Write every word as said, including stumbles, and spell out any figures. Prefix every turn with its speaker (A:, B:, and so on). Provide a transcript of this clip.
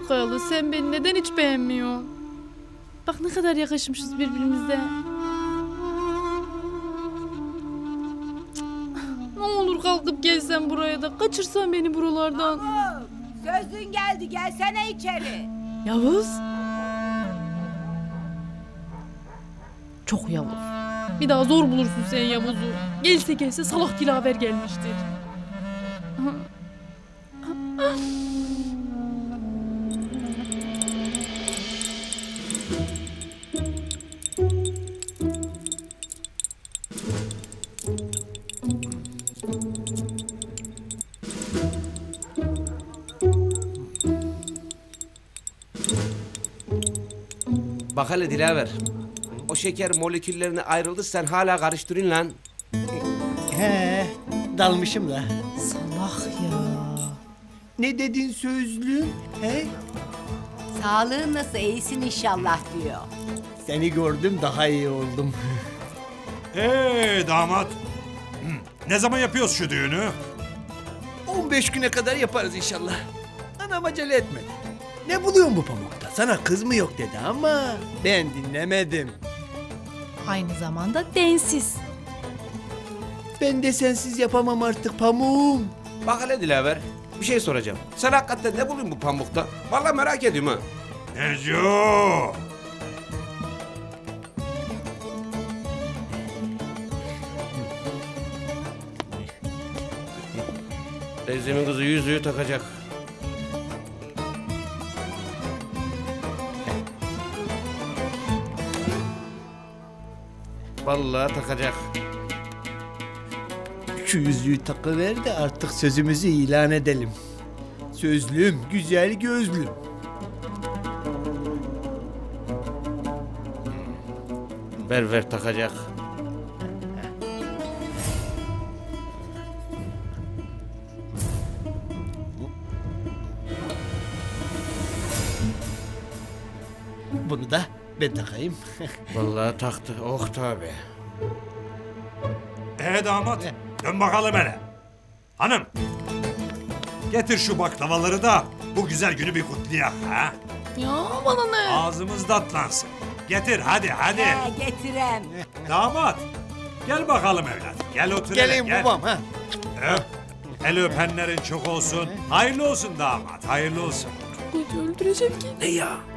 A: Ah Kayalı, sen beni neden hiç beğenmiyorsun? Bak ne kadar yakışmışız birbirimize. Ne olur kalkıp gelsen buraya da kaçırsan beni buralardan.
B: Mahmut, sözün geldi, gelsene içeri.
A: Yavuz. Çok Yavuz. Bir daha zor bulursun sen Yavuz'u. Gelse gelse salak Dilaver gelmiştir.
C: Bak hele Dilaver. O şeker moleküllerine ayrıldı, sen hala karıştırın lan.
D: He, dalmışım da.
A: Salak ya.
D: Ne dedin sözlü? He?
B: Sağlığın nasıl, iyisin inşallah diyor.
D: Seni gördüm daha iyi oldum.
E: Ee damat. Hı, Ne zaman yapıyoruz şu düğünü?
D: on beş güne kadar yaparız inşallah. Anam acele etmedi. Ne buluyorsun bu pamukta? Sana kız mı yok dedi ama ben dinlemedim.
A: Aynı zamanda densiz.
D: Ben de sensiz yapamam artık pamuğum.
C: Bak hele Dilaver, bir şey soracağım. Sen hakikaten ne buluyorsun bu pamukta? Vallahi merak ediyorum ha.
E: Neco!
C: Teyzemin kızı yüzüğü takacak. Vallahi takacak.
D: Şu yüzüğü takıver de artık sözümüzü ilan edelim. Sözlüm, güzel gözlüm.
C: Ver ver takacak.
D: Bunu da ben takayım.
C: Vallahi taktı. Oh tabi.
E: Ee damat, dön bakalım hele. Hanım, getir şu baklavaları da bu güzel günü bir kutlayak ha.
A: Ya bana ne?
E: Ağzımız tatlansın. Getir hadi hadi.
B: He, getirem.
E: Damat, gel bakalım evlat. Gel otur hele,
D: Geleyim
E: gel.
D: babam ha.
E: Öp. El öpenlerin çok olsun. Hayırlı olsun damat, hayırlı olsun.
A: Koca öldürecek ki.
C: Ne ya?